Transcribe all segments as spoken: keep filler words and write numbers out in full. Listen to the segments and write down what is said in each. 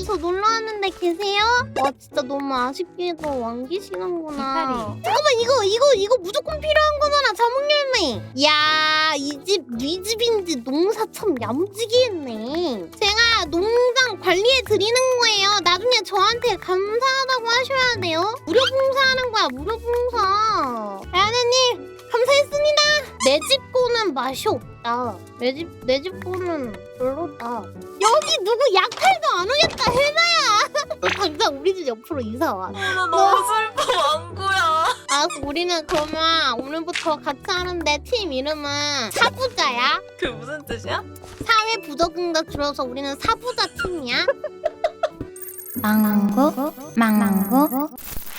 저 놀러 왔는데 계세요? 와 진짜 너무 아쉽게도 안 계시는구나. 잠깐만 이거 이거 이거 무조건 필요한 거잖아 자몽열매. 이야 이 집 네 집인지 농사 참 야무지게 했네. 제가 농장 관리해 드리는 거예요. 나중에 저한테 감사하다고 하셔야 돼요. 무료 봉사하는 거야 무료 봉사. 아야네님 감사했습니다. 내 집 거는 맛이 없다. 내 집 내 집 거는 별로다. 여기 누구 약탈도 안 오겠다 혜나야. 너 당장 우리 집 옆으로 이사 와. 나 너무 슬퍼 왕구야. 아 우리는 그러면 오늘부터 같이 하는데 팀 이름은 사부자야. 그 무슨 뜻이야? 사회 부적응자 줄여서 우리는 사부자 팀이야. 망망구 망망구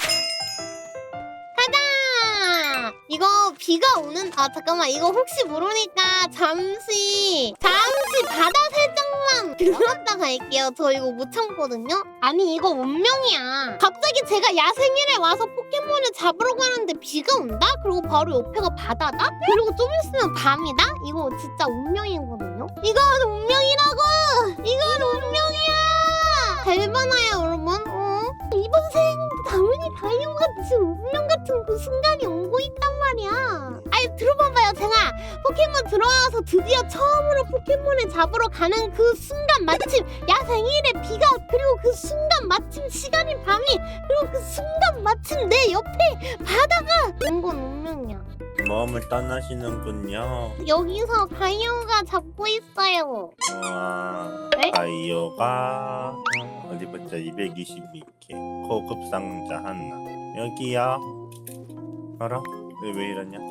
가자. 이거 비가 오는 아 잠깐만 이거 혹시 모르니까 잠시 잠시 바다 살짝만 들렀다 갈게요. 저 이거 못 참거든요. 아니 이거 운명이야. 갑자기 제가 야생일에 와서 포켓몬을 잡으러 가는데 비가 온다? 그리고 바로 옆에가 바다다? 그리고 좀 있으면 밤이다? 이거 진짜 운명이거든요. 이건 운명이라고. 이건 운명이야. 잘 봐놔요 여러분. 어? 이번 생 당연히 다이오같이 운명 같은 그 순간이 오고 있단 말이야. 아니 들어봐봐요. 제가 포켓몬 들어와서 드디어 처음으로 포켓몬을 잡으러 가는 그 순간 마침 야생일에 비가 그리고 그 순간 마침 시간이 밤이 그리고 그 순간 마침 내 옆에 바다가 온 건 운명이야. 마음을 떠나시는군요. 여기서 다이오가 잡고 있어요. 와, 네? 다이오가 어디 보자 이백이십이 개 고급 상자 하나 여기야. 알아? 왜, 왜 이러냐?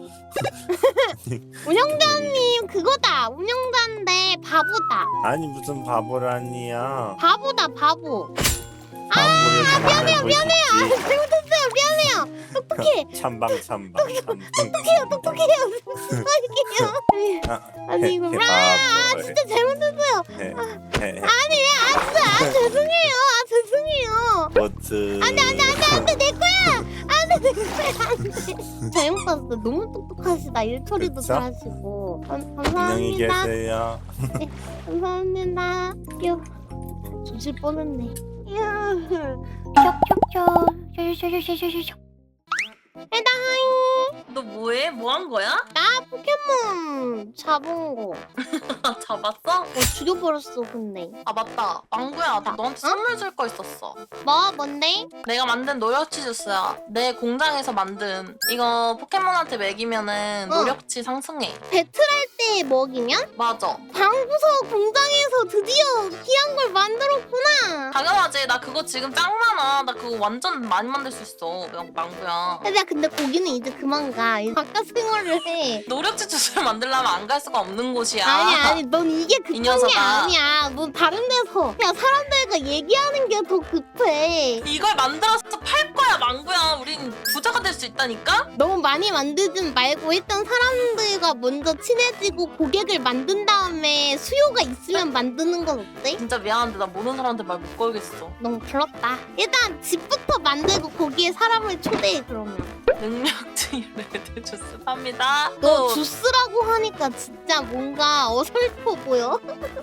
운영자님 그거다. 운영자인데 바보다. 아니 무슨 바보라니야. 바보다 바보. 아 미안해요 미안해요. 아, 잘못했어요 미안해요. 똑똑해. 찬방 찬방 찬방. 똑똑해요 똑똑해요. 할게요. 아, 아니 이거 해, 아 바보. 진짜 잘못했어요. 해, 해, 해. 아니 아 진짜 아 죄송해요. 아 죄송해요. 버츠. 안돼 안돼 안돼 안돼 내 거야. 안돼 내 거야 안돼. 잘못 봤어. 너무 똑똑하시다. 일 처리도 그쵸? 잘하시고. 감, 안녕히 감사합니다. 계세요. 감사합니다. 요 조질 뻔했네. 이야. 쇽쇽쇽 해당. 너 뭐해? 뭐 한 거야? 나 포켓몬 잡은 거. 잡았어? 어, 죽여버렸어 근데. 아 맞다. 왕구야 나 너한테 선물 줄 거 있었어. 뭐 뭔데? 내가 만든 노력치 주스야. 내 공장에서 만든. 이거 포켓몬한테 먹이면은 어. 노력치 상승해. 배틀할 때 먹이면? 맞아. 방구석 공장에서 드디어 귀한 걸 만들었구나. 당연하지. 나 그거 지금 짱 많아. 나 그거 완전 많이 만들 수 있어. 그냥 망구야. 야 근데 거기는 이제 그만 가. 이제 바깥 생활을 해. 노력치 주스를 만들려면 안 갈 수가 없는 곳이야. 아니 아니 넌 이게 급한 게 녀석아. 아니야. 넌 다른 데서 그냥 사람들과 얘기하는 게 더 급해. 이걸 만들어서 팔 거야 망구야. 우린 부자가 될 수 있다니까? 너무 많이 만들지 말고 일단 사람들과 먼저 친해지고 고객을 만든 다음에 수요가 있으면 만드는 건 어때? 진짜 미안한데 나 모르는 사람한테 말 못 걸겠어. 너무 부럽다. 일단 집부터 만들고 거기에 사람을 초대해 그러면. 능력치 레드 주스 팝니다. 너 또 주스라고 하니까 진짜 뭔가 어설퍼 보여.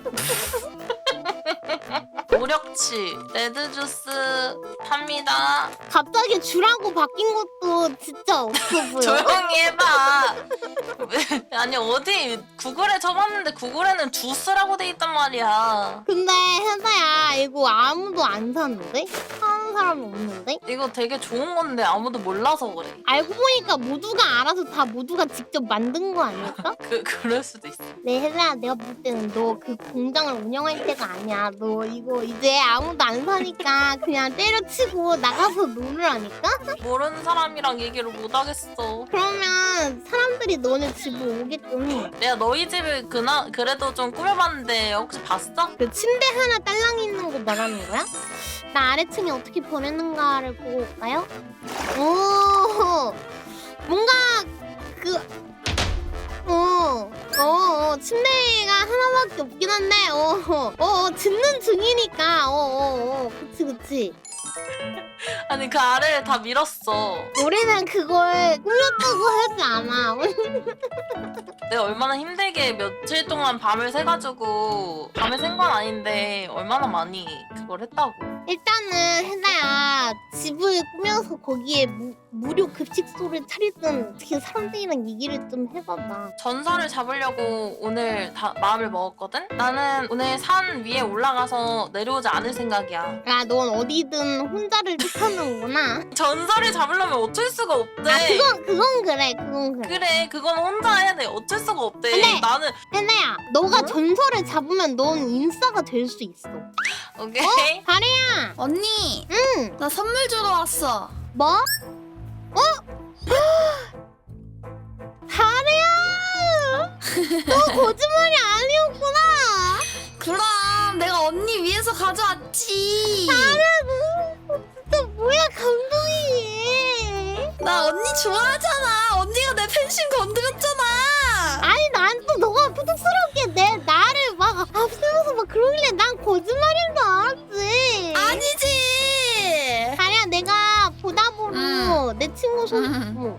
노력치 레드 주스 팝니다. 갑자기 주라고 바뀐 것도 진짜 없어 보여. 조용히 해봐. 왜- 아니 어디 구글에 쳐봤는데 구글에는 주스라고 돼 있단 말이야. 근데 혜자야 이거 아무도 안 사는데? 사는 사람이 없는데? 이거 되게 좋은 건데 아무도 몰라서 그래. 알고 보니까 모두가 알아서 다 모두가 직접 만든 거 아닐까? 그 그럴 수도 있어. 네 혜자야 내가 볼 때는 너 그 공장을 운영할 때가 아니야. 너 이거 이제 아무도 안 사니까 그냥 때려치고 나가서 놀으라니까? 모르는 사람이랑 얘기를 못 하겠어. 그러면 사람들이 너네 집으로 오게끔 해. 내가 너희 집을 그나 그래도 좀 꾸며봤는데 혹시 봤어? 그 침대 하나 딸랑 있는 거 말하는 거야? 나 아래층에 어떻게 보냈는가를 보고 올까요? 오 뭔가 그 어, 어, 어, 침대가 하나밖에 없긴 한데, 어, 어, 어, 짓는 중이니까, 어, 어, 어, 그치, 그치. 아 아니 그 아래를 다 밀었어. 우리는 그걸 꾸몄다고 하지 않아. 내가 얼마나 힘들게 며칠 동안 밤을 새가지고 밤을 샌 건 아닌데 얼마나 많이 그걸 했다고. 일단은 혜나야 집을 꾸며서 거기에 무, 무료 급식소를 차리든 어떻게 사람들이랑 얘기를 좀 해봐봐. 전설을 잡으려고 오늘 다 마음을 먹었거든? 나는 오늘 산 위에 올라가서 내려오지 않을 생각이야. 야, 넌 어디든 혼자를 택하는구나. 전설을 잡으려면 어쩔 수가 없대. 아, 그건 그건 그래, 그건 그래. 그래, 그건 혼자 해야 돼. 어쩔 수가 없대. 근데- 나는 혜나야, 너가 응? 전설을 잡으면 넌 인싸가 될 수 있어. 오케이. 다리야, 언니, 응, 나 선물 주러 왔어. 뭐? 어? 다리야, 너 거짓말이 아니었구나. 그럼 내가 언니 위해서 가져왔지. 진짜 뭐야, 감동이네. 나 언니 좋아하잖아. 언니가 내 팬심 건드렸잖아. 아니, 난 또 너가 부득스럽게 내 나를 막 앞세워서 막 그러길래 난 거짓말인 줄 알았지. 아니지. 다리야, 내가 보다 보로 응. 내 친구 손. 응. 어머.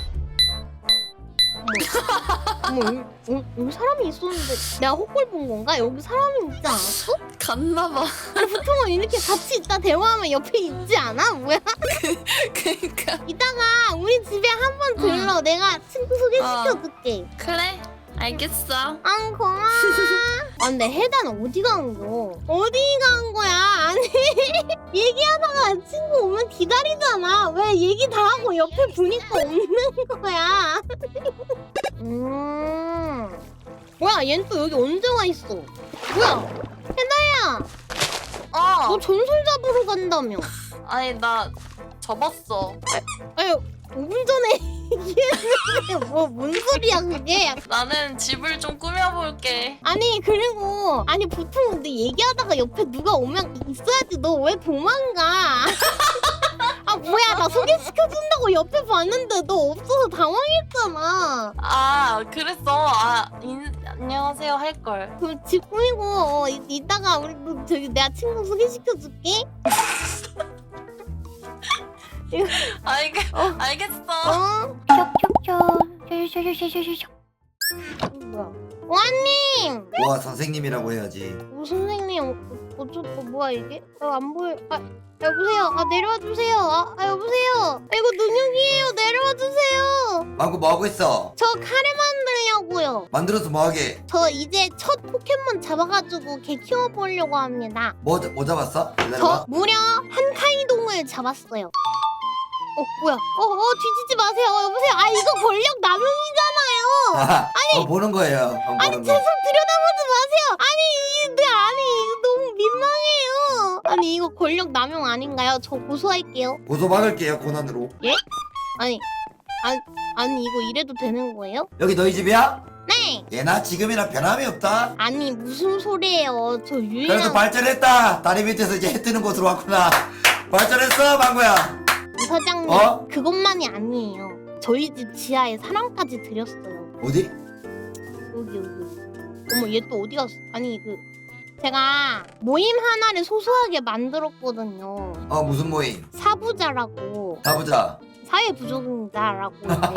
어머, 어머, 여기, 여기 사람이 있었는데 내가 헛골 본 건가? 여기 사람이 있지 않았어? 갔나봐. 아니, 보통은 이렇게 같이 있다 대화하면 옆에 있지 않아? 뭐야? 그니까. 이따가 우리 집에 한 번 들러. 내가 친구 소개시켜줄게. 그래. 알겠어. 아, 고마워. 아, 근데 혜단 어디 간 거? 어디 간 거야? 아니, 얘기하다가 친구 오면 기다리잖아. 왜 얘기 다 하고 옆에 보니까 없는 거야? 음. 뭐야, 얜 또 여기 언제 와 있어? 뭐야? 혜다야, 어. 너 전설 잡으러 간다며? 아니 나 접었어. 아니, 오 분 전에 얘기했는데 뭐, 뭔 소리야 그게? 나는 집을 좀 꾸며볼게. 아니, 그리고 아니 보통 근데 얘기하다가 옆에 누가 오면 있어야지. 너 왜 도망가? 아, 뭐야, 나 소개시켜준다고 옆에 봤는데 너 없어서 당황했잖아. 아 그랬어. 아 인, 안녕하세요 할걸. 그럼 집 꾸미고 어, 이, 이따가 우리 또 저기 내가 친구 소개시켜줄게. 알겠, 어. 알겠어. 어? 쇽쇽쇽 쇽쇽쇽 뭐야? 원님! 와 선생님이라고 해야지. 오, 선생님, 어, 어쩌고 뭐야 이게? 어, 안 보여. 아, 여보세요. 아, 내려와 주세요. 아, 아 여보세요. 아, 이거 능력이에요. 내려와 주세요. 망고 뭐하고 있어? 저 카레 만들려고요. 만들어서 뭐하게? 저 이제 첫 포켓몬 잡아가지고 개 키워보려고 합니다. 뭐, 뭐 잡았어? 저 기다려봐. 무려 한카이동을 잡았어요. 어, 뭐야? 어, 어, 뒤지지 마세요. 어, 여보세요. 아, 이거 권력 남용이잖아요. 아니 어, 보는 거예요. 안 아니, 보는 제 손 거. 들여다보지 마세요. 아니, 이- 네, 아니, 이거 너무 민망해요. 아니, 이거 권력 남용 아닌가요? 저 고소할게요. 고소 막을게요 고난으로. 아니, 아니, 아니, 이거 이래도 되는 거예요? 여기 너희 집이야? 네. 얘나 지금이나 변함이 없다. 아니, 무슨 소리예요? 저 그래도 유일한 발전했다. 다리 밑에서 이제 해 뜨는 곳으로 왔구나. 발전했어 망고야. 사장님. 어? 그것만이 아니에요. 저희 집 지하에 사람까지 들였어요. 어디? 여기 여기. 어머, 얘 또 어디 갔어? 아니, 그 제가 모임 하나를 소소하게 만들었거든요. 어 무슨 모임? 사부자라고. 가보자. 사회부족자라고.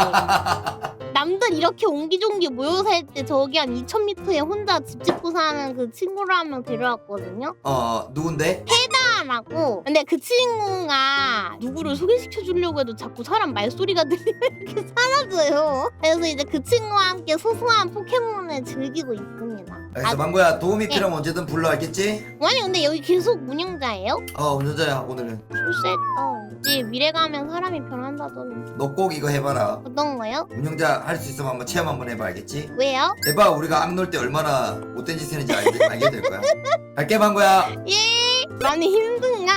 있는데 남들 이렇게 옹기종기 모여 살 때 저기 한 이천 미터에 혼자 집 짓고 사는 그 친구를 한 명 데려왔거든요. 어, 어 누군데? 라고. 근데 그 친구가 누구를 소개시켜 주려고 해도 자꾸 사람 말소리가 들리면 이렇게 사라져요. 그래서 이제 그 친구와 함께 소소한 포켓몬을 즐기고 있습니다. 알겠어 아, 망고야 도움이 예. 필요하면 언제든 불러 알겠지? 아니, 근데 여기 계속 운영자예요? 어 운전자야 오늘은. 출세했다. 이제 미래 가면 사람이 변한다더니. 너 꼭 이거 해봐라. 어떤 거요? 운영자 할 수 있으면 한번 체험 한번 해봐 알겠지? 왜요? 해봐 우리가 악놀 때 얼마나 못된 짓 했는지 알게, 알게 될 거야. 갈게 망고야. 예. 많이 힘든가?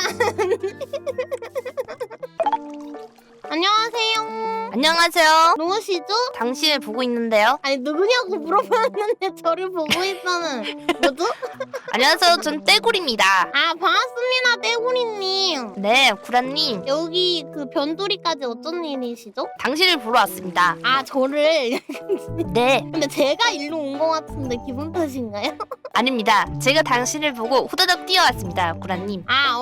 안녕하세요. 안녕하세요. 누구시죠? 당신을 보고 있는데요. 아니, 누구냐고 물어봤는데 저를 보고 있다는. 뭐죠? 안녕하세요. 전 떼굴입니다. 아, 반갑습니다, 떼구리님. 네, 구라님. 여기 그 변두리까지 어쩐 일이시죠? 당신을 보러 왔습니다. 아, 저를. 네, 근데 제가 일로 온 것 같은데 기분 탓인가요? 아닙니다. 제가 당신을 보고 후다닥 뛰어왔습니다, 구라님. 아,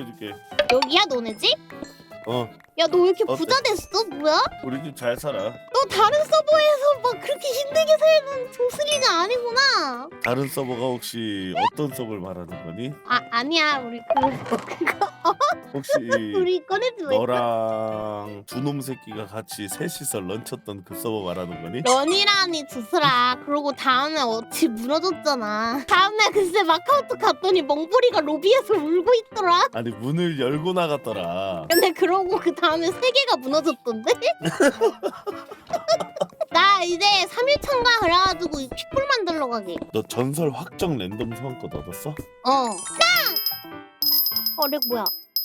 소개시켜줄게. 여기야 너네 집? 어, 야 너 왜 이렇게 어때? 부자 됐어? 뭐야? 우리 집 잘 살아. 너 다른 서버에서 막 그렇게 힘들게 살던 조슬이가 아니구나. 다른 서버가 혹시 어떤 서버를 말하는 거니? 아 아니야 우리 그 그거 혹시 우리 꺼내지 왜? 너랑 두 놈 새끼가 같이 셋이서 런쳤던 그 서버 말하는 거니? 런이라니 조슬아. 그러고 다음에 어찌 무너졌잖아. 다음날 글쎄 마카오톡 갔더니 멍보리가 로비에서 울고 있더라. 아니 문을 열고 나갔더라. 근데 그러고 그 다음에 세 개가 무너졌던데? 나 이제 삼 일 참가 그래가지고 이 킥볼 만들러 가게. 너 전설 확정 랜덤 소환권 얻었어? 어. 짱! 어, 렉 뭐야?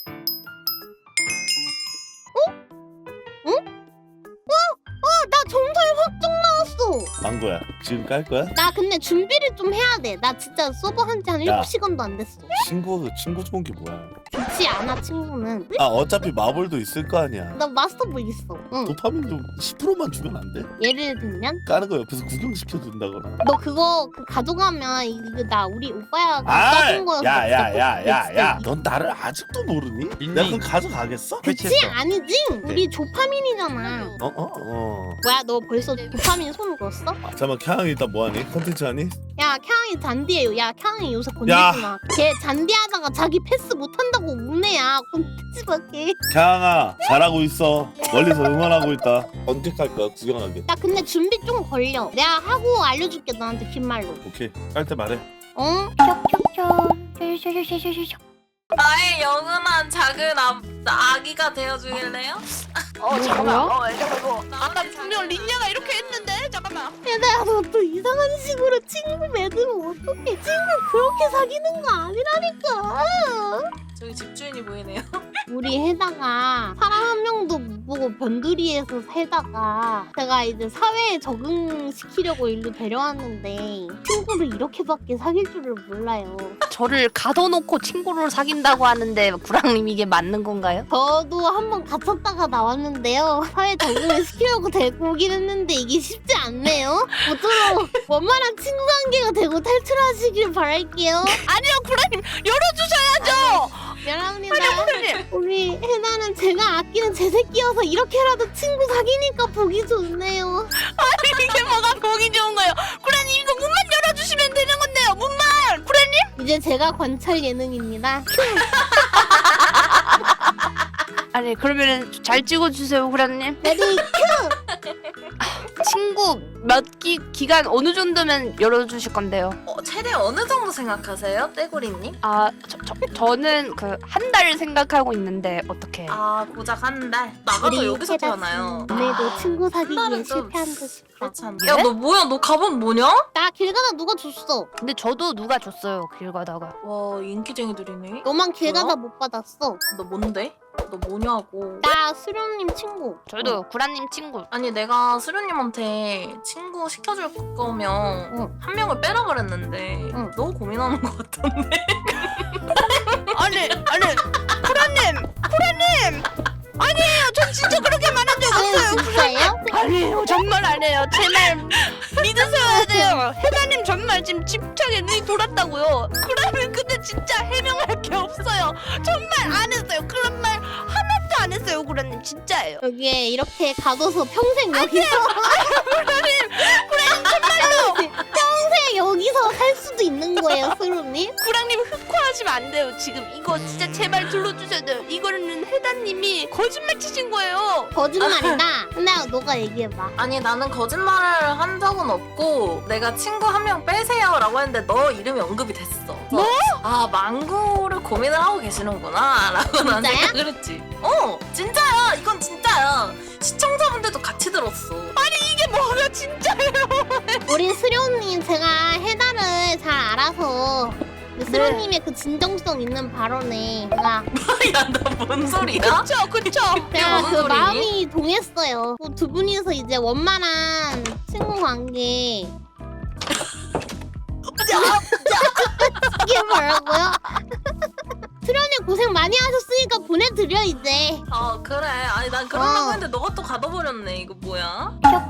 어? 응? 어? 어, 나 전설 확정 나왔어. 망고야 지금 깔 거야? 나 근데 준비를 좀 해야 돼. 나 진짜 서버 한지 한 야. 일곱 시간도 안 됐어. 친구 친구 좋은 게 뭐야? 좋지 않아, 친구는. 아 어차피 마블도 있을 거 아니야. 나 마스터볼 있어. 응. 도파민 좀 십 퍼센트만 주면 안 돼? 예를 들면? 까는 거 옆에서 구경시켜 준다거나. 너 그거 그 가져가면 이거 나 우리 오빠야 아, 써준 거였어. 야야야야야, 넌 나를 아직도 모르니? 내가 그럼 가져가겠어? 그치 아니지? 우리 조파민이잖아. 어 어 어. 뭐야 너 벌써 도파민 손 걸었어? 잠깐만 캬양이 일단 뭐하니? 컨텐츠 하니? 야 캬양이 잔디예요. 야 캬양이 요새 야. 건들지 마. 걔 잔디하다가 자기 패스 못한다고 우네야. 건들지 마 걔. 캬양아 잘하고 있어. 멀리서 응원하고 있다. 언제 깔 거야 구경하게? 야 근데 준비 좀 걸려. 내가 하고 알려줄게 너한테 빈말로. 오케이 깔 때 말해. 응? 쇼쇼쇼쇼쇼쇼쇼쇼. 나의 영원한 작은 아, 아기가 되어주길래요? 어 잠깐만. 뭐야? 어 잠깐만. 아까 분명 린냐가 이렇게 했는데 잠깐만. 얘들아 너 또 이상한 식으로 친구 맺으면 어떡해. 친구 그렇게 사귀는 거 아니라니까. 저기 집주인이 보이네요. 우리 해다가 사람 한 명도 못 보고 변두리에서 살다가 제가 이제 사회에 적응시키려고 일로 데려왔는데 친구를 이렇게밖에 사귈 줄을 몰라요. 저를 가둬놓고 친구를 사귄다고 하는데 구랑님 이게 맞는 건가요? 저도 한번 갇혔다가 나왔는데요. 사회 적응을 시키려고 데리고 오긴 했는데 이게 쉽지 않네요. 모쪼록 원만한 친구 관계가 되고 탈출하시길 바랄게요. 아니요 구랑님 열어주셔야죠. 미안합니다. 구랑님. 우리 해나는 제가 아끼는 제 새끼여서 이렇게라도 친구 사귀니까 보기 좋네요. 이게 뭐가 보기 좋은 거예요? 구랑님 이거 문만 열어주시면 되는 건데요. 문만. 구랑님. 이제 제가 관찰 예능입니다. 아니 그러면은 잘 찍어주세요 구랑님. 레디 큐! 친구 몇 기, 기간 어느 정도면 열어주실 건데요? 어, 최대 어느 정도 생각하세요, 떼구리님? 아, 저, 저, 저는 그 한 달 생각하고 있는데 어떻게? 아 고작 한 달. 나가도 여기서 태어나요. 오늘도 친구 사귀기에 한 달은 좀 실패한 듯 싶다. 그렇지 않나? 야 너 뭐야? 너 갑옷 뭐냐? 나 길 가다 누가 줬어. 근데 저도 누가 줬어요 길 가다가. 와 인기쟁이들이네. 너만 길 뭐야? 가다 못 받았어. 너 뭔데? 너 뭐냐고. 나 수련님 친구. 저도 구라님 친구. 아니 내가 수련님한테 친구 시켜줄 거면 응. 한 명을 빼라 그랬는데 응. 너무 고민하는 것 같던데. 아니 아니 구라님 구라님 아니에요. 전 진짜 그렇게 말한 적 아유 없어요. 진짜예요? 아니에요 정말 아니에요. 제 말 믿으셔야 돼요. 해나님 정말 지금 집착에 눈이 돌았다고요. 구라님 근데 진짜 해명할 게 없어요. 정말 안 했어요. 그런 말 하나도 안 했어요 구라님 진짜예요. 여기에 이렇게 가둬서 평생 여기서 구라님 구라님 정말로 평생 여기서 살 수도 있는 거예요, 수련님? 구랑님 흑화하시면 안 돼요. 지금 이거 진짜 제발 들어주셔야 돼요. 이거는 해다님이 거짓말 치신 거예요. 거짓말이다. 근데 너가 얘기해봐. 아니 나는 거짓말을 한 적은 없고 내가 친구 한 명 빼세요 라고 했는데 너 이름이 언급이 됐어. 뭐? 아 망구를 고민을 하고 계시는구나 라고 난 진짜야? 생각을 했지. 어 진짜야. 이건 진짜야. 시청자분들도 같이 들었어. 이게 뭐가 진짜예요? 우리 수련님 제가 해달을 잘 알아서 수련님의 그 진정성 있는 발언에 제가 야나 뭔 소리야? 그쵸 그쵸. 제가 무슨 그 소리니? 마음이 동했어요. 뭐두 분이서 이제 원만한 친구 관계 이게 뭐라고요? 수련님 고생 많이 하셨으니까 보내드려 이제. 어 그래. 아니 난 그러려고 어. 했는데 너가 또 가둬버렸네. 이거 뭐야?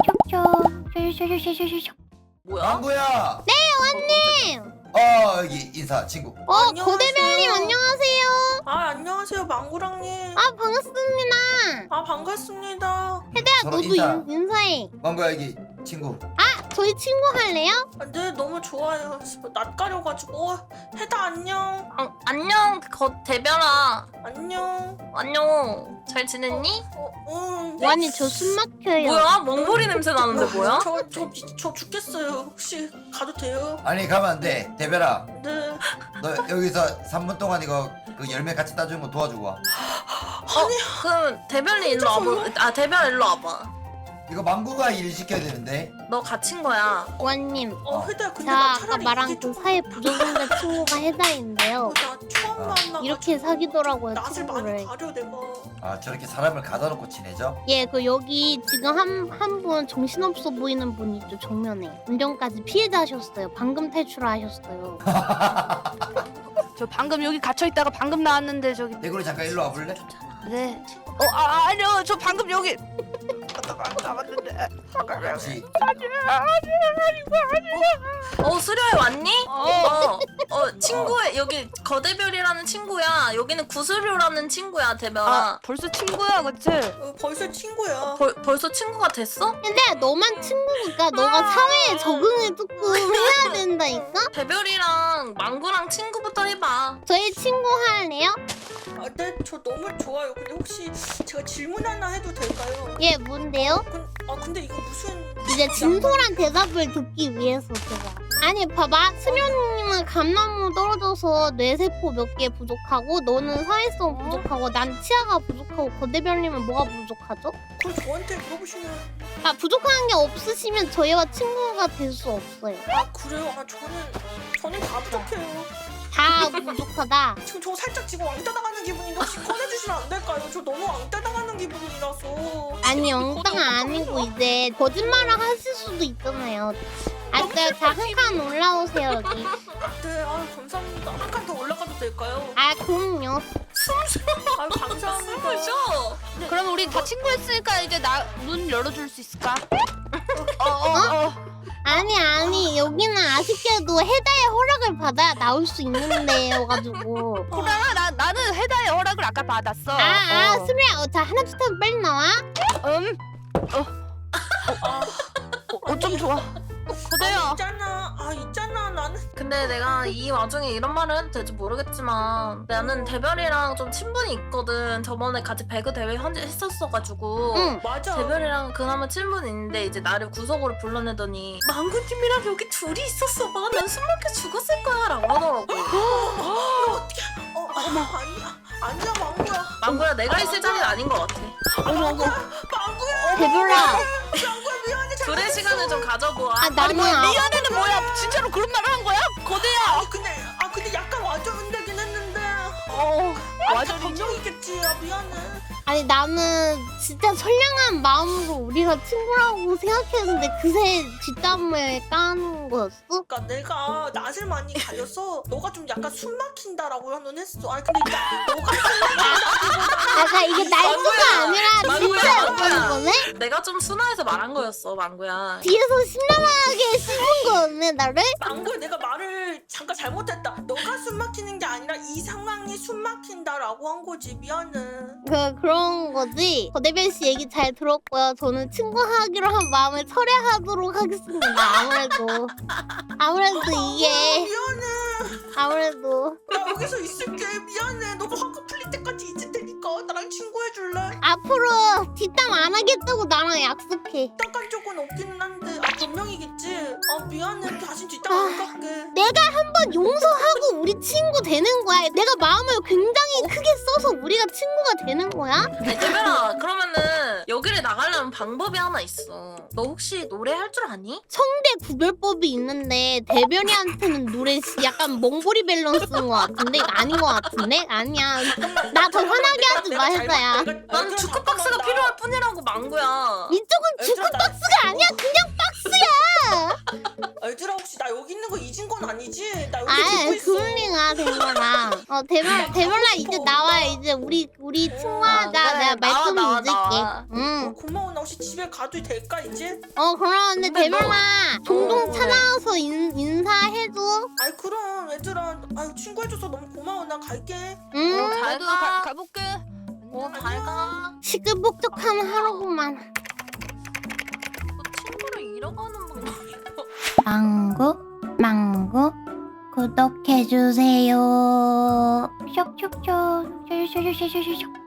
쇽쇽쇽 뭐야? 망구야. 네 원님. 어 여기 인사 친구. 어 안녕하세요. 고대별님 안녕하세요. 아 안녕하세요 망구랑님. 아 반갑습니다. 아 반갑습니다. 혜대야 서로 너도 인사. 인, 인사해. 망구야 여기 친구. 저희 친구 할래요? 아, 네 너무 좋아요. 낯가려가지고 해다 안녕. 아, 안녕 거 대별아. 안녕. 안녕. 잘 지냈니? 어, 응. 완이 저 숨 막혀요. 뭐야? 멍보리 냄새 나는데 뭐야? 저저 저 죽겠어요. 혹시 가도 돼요? 아니 가면 안 돼. 대별아 네. 너 여기서 삼 분 동안 이거 그 열매 같이 따주는 거 도와주고 와. 어, 그럼 대별이 일로 와봐. 아 대별 일로 와봐. 이거 망구가 일 시켜야 되는데. 너 갇힌 거야. 원님. 어 해다 근데 자 나 아까 차라리 말한 이게 그 좀- 사회 부적응자 친구가 해다인데요. 어, 나 처음 아. 만나. 이렇게 사귀더라고요 낯을 많이 친구를. 가려 내가. 아 저렇게 사람을 가둬놓고 지내죠? 예, 그 여기 지금 한 한 분 정신없어 보이는 분 있죠 정면에. 운전까지 피해자셨어요. 방금 탈출하셨어요. 저 방금 여기 갇혀 있다가 방금 나왔는데 저기. 대구리 잠깐 일로 와볼래? 네. 어 아, 아니요 저 방금 여기. 나왔는데. 혹시 어 수려에 왔니? 어. 어, 어 친구의 여기 거대별이라는 친구야. 여기는 구수료라는 친구야 대별아. 아 벌써 친구야 그치? 어, 벌써 친구야. 벌, 벌써 친구가 됐어? 근데 너만 친구니까 너가 사회에 적응을 조금 해야 된다니까? 대별이랑 망구랑 친구부터 해봐. 저희 친구 할래요? 아, 네, 저 너무 좋아요. 근데 혹시 제가 질문 하나 해도 될까요? 예, 뭔데요? 근, 아 근데 이거 무슨 이제 진솔한 대답을 듣기 위해서 제가. 아니 봐봐 수련님은 감나무 떨어져서 뇌세포 몇 개 부족하고 너는 사회성 부족하고 난 치아가 부족하고 거대별님은 뭐가 부족하죠? 그걸 저한테 물어보시면 아 부족한 게 없으시면 저희와 친구가 될 수 없어요. 아 그래요? 아 저는 저는 다 부족해요. 다 부족하다. 지금 저 살짝 지금 왕따 당하는 기분인데 혹시 꺼내주시면 안 될까요? 저 너무 왕따 당하는 기분이라서. 아니 엉따가 아니고 이제 거짓말을 하실 수도 있잖아요. 알았어요. 자, 한 칸 올라오세요 여기. 네, 아유 감사합니다. 한 칸 더 올라가도 될까요? 아 그럼요. 아유 감사합니다. 그죠? 그럼 우리 다 친구했으니까 이제 나 문 열어줄 수 있을까? 어어어. 아니 아니 여기는 아쉽게도 해다의 허락을 받아야 나올 수 있는 데여가지고. 호랑아 나 나는 해다의 허락을 아까 받았어. 아아 어. 수리야, 어, 자 하나 둘 셋 빨리 나와. 음. 어좀 좋아. 아, 고대야. 있잖아. 아 있잖아. 나는 근데 내가 이 와중에 이런 말을 해도 될지 모르겠지만 나는 대별이랑 좀 친분이 있거든. 저번에 같이 배그 대회 현재 했었어가지고 응. 맞아. 대별이랑 그나마 친분이 있는데 이제 나를 구석으로 불러내더니 망구님이랑 여기 둘이 있었어 봐. 난 숨막혀 죽었을 거야 라고 하더라고. 어, 아니야. 아니야 망구야. 망구야 내가 있을 자리는 아닌 것 같아. 망구야. 대별아. 망구야 미안해. 둘의 시간을 좀 가져보아. 아 나는 아, 미안해는 뭐야? 진짜로 그런 말을 한 거야? 고대야. 아 근데 아 근데 약간 와전되긴 했는데. 어. 완전 감정이겠지. 아 미안해. 아니 나는 진짜 선량한 마음으로 우리가 친구라고 생각했는데 그새 뒷담을 까는 거였어? 그러니까 내가 낯을 많이 가려서 너가 좀 약간 숨 막힌다라고는 했어. 아니 근데 나- 너가 약간 이게 날조가 아니라 망구야, 진짜 망구야. 그런 거네? 내가 좀 순화해서 말한 거였어 망구야. 뒤에서 신랄하게 씹은 거네 나를? 망구야 내가 말을 잠깐 잘못했다. 너가 숨 막히는 게 아니라 이 상황이 숨 막힌다라고 한 거지. 미안해. 그 그런 거지. 거대별 씨 얘기 잘 들었고요. 저는 친구하기로 한 마음을 철회하도록 하겠습니다. 아무래도 아무래도 이게 미안해. 아무래도 나 여기서 있을게. 미안해. 너가 화가 풀릴 때까지 있을 테니까 나랑 친구해줄래? 앞으로 뒷담 안 하겠다고 나랑 약속해. 딱한 적은 없기는 한데 아 변명이겠지. 아 미안해. 다시 뒷담 안 갈게. 내가 한번 용서하고 우리 친구 되는 거야. 내가 마음을 굉장히 크게 써서 우리가 친구가 되는 거야. 아니 대별아 그러면은 여기를 나가려면 방법이 하나 있어. 너 혹시 노래 할 줄 아니? 성대 구별법이 있는데 대별이한테는 노래 시- 약간 몽골이 밸런스인 것 같은데 이거 아닌 것 같은데? 아니야. 나 더 화나게 하지 마 해서야. 난 주크박스가 필요할 뿐이라고 망구야. 이쪽은 주크박스가 아니야. 그냥 박스야. 얘들아 혹시 나 여기 있는 거 잊은 건 아니지? 나 여기 아, 듣고 있어. 그럴 리가 대별아. 어, 대별 대별아 이제 나와. 이제 우리 우리 친구하자. 아, 그래. 내가 나와, 말씀 나와, 잊을게. 나와. 어, 응. 고마워. 나 혹시 집에 가도 될까 이제? 어, 그러는데 근데 너- 대별아 종종 어, 찾아와서 인, 인사해줘. 아이 그럼 얘들아 아유 친구해줘서 너무 고마워. 나 갈게. 응. 어, 잘 나도 가. 가, 가볼게. 어, 잘 가. 시끌벅적한 하루구만. 너 친구를 잃어가는 방법이야. 망구 망구 구독해주세요. 쇽쇽쇽 쇽쇽쇽